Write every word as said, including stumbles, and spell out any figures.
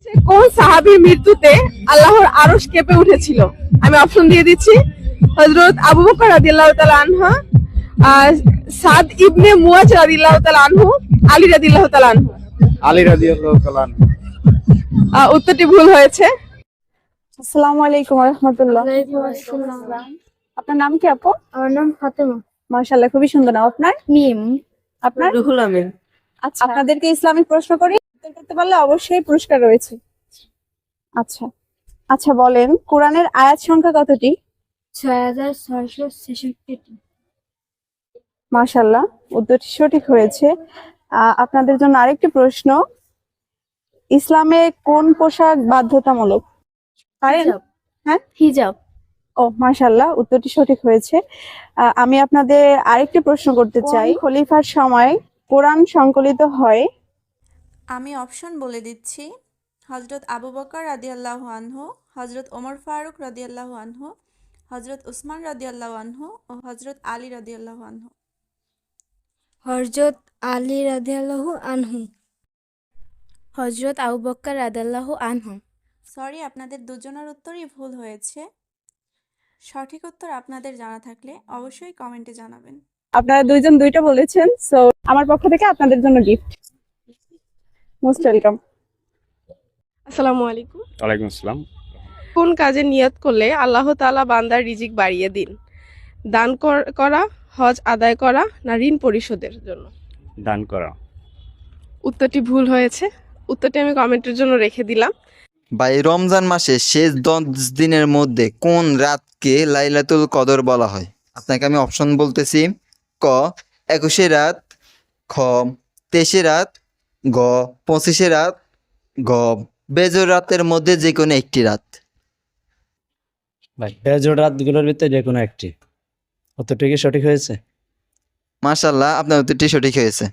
কোন সাহাবীর মৃত্যুতে আল্লাহর আরশ কেঁপে উঠেছিল? আমি অপশন দিয়ে দিচ্ছি। হযরত আবু বকর রাদিয়াল্লাহু তাআলা আনহু, আহ, সাদ ইবনে মুয়াজ রাদিয়াল্লাহু তাআলা আনহু, আলী রাদিয়াল্লাহু তাআলা আনহু। আলী রাদিয়াল্লাহু তাআলা আনহু। আহ, উত্তরটি ভুল হয়েছে। আসসালামু আলাইকুম ওয়া রাহমাতুল্লাহ। ওয়ালাইকুম আসসালাম। আপনার নাম কি আপু? আমার নাম ফাতেমা। মাশাআল্লাহ, খুবই সুন্দর নাম আপনার। মিম। আপনার? রুহুল আমিন। আচ্ছা, আপনাদেরকে ইসলামিক প্রশ্ন করি, উত্তর করতে পারলে অবশ্যই পুরস্কার রয়েছে। আচ্ছা আচ্ছা বলেন, কোরআনের আয়াত সংখ্যা কতটি? ছয় হাজার ছয়শো ছেষট্টিটি। মাশাআল্লাহ, উত্তরটি সঠিক হয়েছে। আহ, আপনাদের জন্য আরেকটি প্রশ্ন, ইসলামে কোন পোশাক বাধ্যতামূলক? পারেন? হিজাব। হ্যাঁ, হিজাব। ও মাশাআল্লাহ, উত্তরটি সঠিক হয়েছে। আহ, আমি আপনাদের আরেকটি প্রশ্ন করতে চাই, খলিফার সময় কোরআন সংকলিত হয়? আমি অপশন বলে দিচ্ছি। হজরত আবু বকর রাদিয়াল্লাহু আনহু, হজরত ওমর ফারুক রাদিয়াল্লাহু আনহু, হজরত উসমান রাদিয়াল্লাহু আনহু ও হজরত আলী রাদিয়াল্লাহু আনহু। হযরত আলী রাদিয়াল্লাহু আনহু। হযরত আবু বকর রাদিয়াল্লাহু আনহু। সরি, আপনাদের দুজনের উত্তরই ভুল হয়েছে। সঠিক উত্তর আপনাদের জানা থাকলে অবশ্যই কমেন্টে জানাবেন। আপনারা দুইজন দুইটা বলেছেন, সো আমার পক্ষ থেকে আপনাদের জন্য গিফট। Most welcome. আসসালামু আলাইকুম। ওয়ালাইকুম আসসালাম। কোন কাজে নিয়ত করলে আল্লাহ তাআলা বান্দার রিজিক বাড়িয়ে দিন? দান কর- করা, হজ আদায় করা, না ঋণ পরিশোধের জন্য? দান করা। উত্তরটি ভুল হয়েছে। উত্তরটি আমি কমেন্টের জন্য রেখে দিলাম। ভাই, রমজান মাসের শেষ দশ দিনের মধ্যে কোন রাতকে লাইলাতুল কদর বলা হয়? আপনাকে আমি অপশন বলতেছি। ক একুশে রাত, খ তেইশে রাত, গ পঁচিশে রাত, গ বেজর রাতের মধ্যে যে কোনো একটি রাত। ভাই, বেজোড় রাতগুলোর ভিতরে যে কোনো একটি। উত্তরটি কি সঠিক হয়েছে? মাশাআল্লাহ, আপনার উত্তরটি সঠিক হয়েছে।